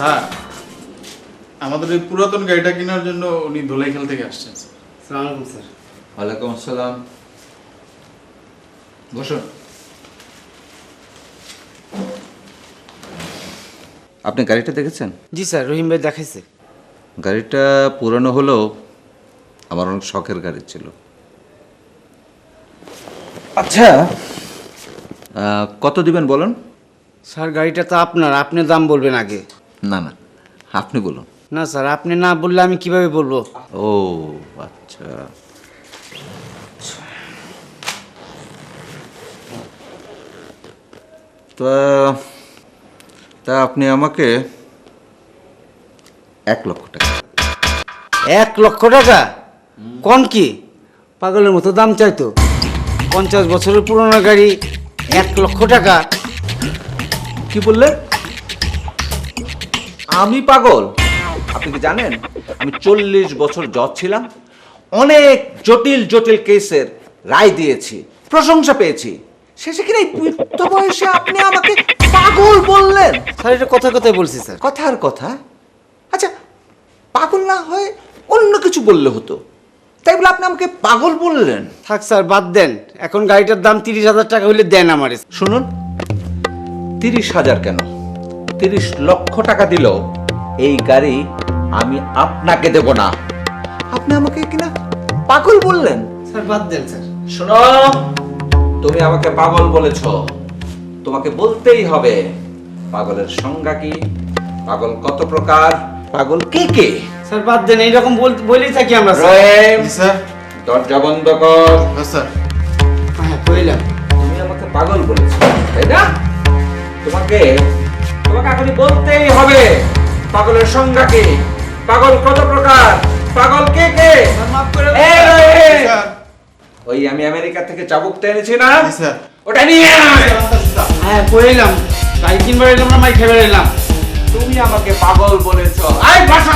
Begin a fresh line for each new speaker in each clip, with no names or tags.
Sir আমাদের এই পুরাতন গাড়িটা কেনার জন্য উনি ধুলাইখাল থেকে আসছেন।
আসসালামু আলাইকুম স্যার।
ওয়ালাইকুম আসসালাম। বসুন। আপনি গাড়িটা দেখেছেন?
জি স্যার, রহিম ভাই দেখাইছে।
গাড়িটা পুরানো হলেও আমার অনেক শখের গাড়ি ছিল। আচ্ছা, কত দিবেন বলুন?
স্যার গাড়িটা তো আপনার, আপনি দাম বলবেন আগে।
না না, আপনি বলুন।
না স্যার, আপনি না বললে আমি কিভাবে বলবো?
ও আচ্ছা, তা তা আপনি আমাকে 1,00,000 টাকা।
1,00,000 টাকা? কোন কি পাগলের মতো দাম চাইতো? 50 বছরের পুরনো গাড়ি 1,00,000 টাকা?
কি বললেন? আমি পাগল? আপনি কি জানেন আমি 40 বছর জজ ছিলাম, অনেক জটিল জটিল কেসের রায় দিয়েছি, প্রশংসা পেয়েছি, শেষে কিনা এই বৃদ্ধ বয়সে আপনি আমাকে পাগল বললেন?
স্যার এটা কথা কথাই বলছি স্যার।
কথার কথা। আচ্ছা, পাগল না হয় অন্য কিছু বললে হতো, তাই বলে আপনি আমাকে পাগল বললেন?
থাক স্যার, বাদ দেন। এখন গাড়িটার দাম 30,000 টাকা হইলে দেন আমারে।
শুনুন, 30,000 কেন, 30 লক্ষ টাকা দিলেও এই গাড়ি আমি আপনাকে দেব না। আপনি আমাকে কিনা পাগল বললেন।
স্যার বাদ দেন স্যার।
শোনো, তুমি আমাকে পাগল বলেছো, তোমাকে বলতেই হবে পাগলের সংজ্ঞা কি, পাগল কত প্রকার, পাগল কে কে।
স্যার বাদ দেন, এইরকম বলেই থাকি আমরা স্যার।
রহিম,
জি স্যার।
দরজা বন্ধ কর।
হ্যাঁ স্যার।
হ্যাঁ কইলাম।
তুমি আমাকে পাগল বলেছো, তাই না? তোমাকে তোমাকে এখনই বলতেই হবে পাগলের সংজ্ঞা কি, পাগল কত প্রকার, পাগল কে কে।
মাফ করে
এই রহিম,
স্যার।
ওই আমি আমেরিকা থেকে চাবুকটা এনেছি না,
জি স্যার।
ওটা নিয়ে আয়।
হ্যাঁ কইলাম, গাড়ি কিনবার এলাম না, মাই খেয়ে এলাম।
তুমি আমাকে পাগল বলেছো। আয় বাসাও,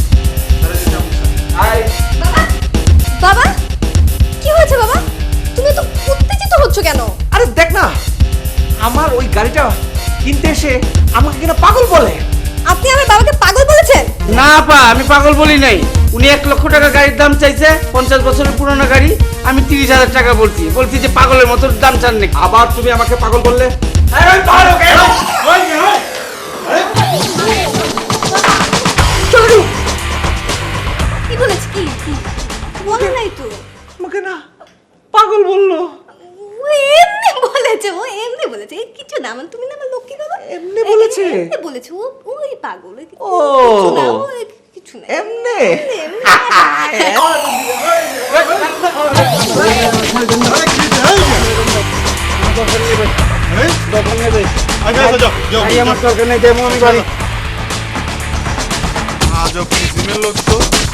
আয়।
বাবা, বাবা কি হয়েছে বাবা? তুমি তো উত্তেজিত হচ্ছ কেন?
আরে দেখ না, আমার ওই গাড়িটা কিনতে এসে আমাকে কিনা পাগল বলে।
আপনি আমার বাবাকে পাগল বলেছেন?
না পা, আমি পাগল বলি নাই। উনি 1,00,000 টাকা গাড়ির দাম চাইছে, 50 বছরের পুরনো গাড়ি। আমি 30,000 টাকা বলছি যে পাগলের মতো দাম চান নাকি।
আবার তুমি আমাকে পাগল বললে।
কি বলেছে? কি বলে নাই তো?
আমাকে না পাগল বললো।
ও এমনি বলেছে, ও এমনি বলেছে। এই কিছু না, মানে তুমি না আমার লক্ষ্মী বাবা।
এমনি বলেছে?
এমনি বলেছে, ওই পাগল।
ও,
কিছু না।
এমনি?
আমার দরকার নেই, যাবো আমি বাড়ি।
আজব কিসিমের লোক তো।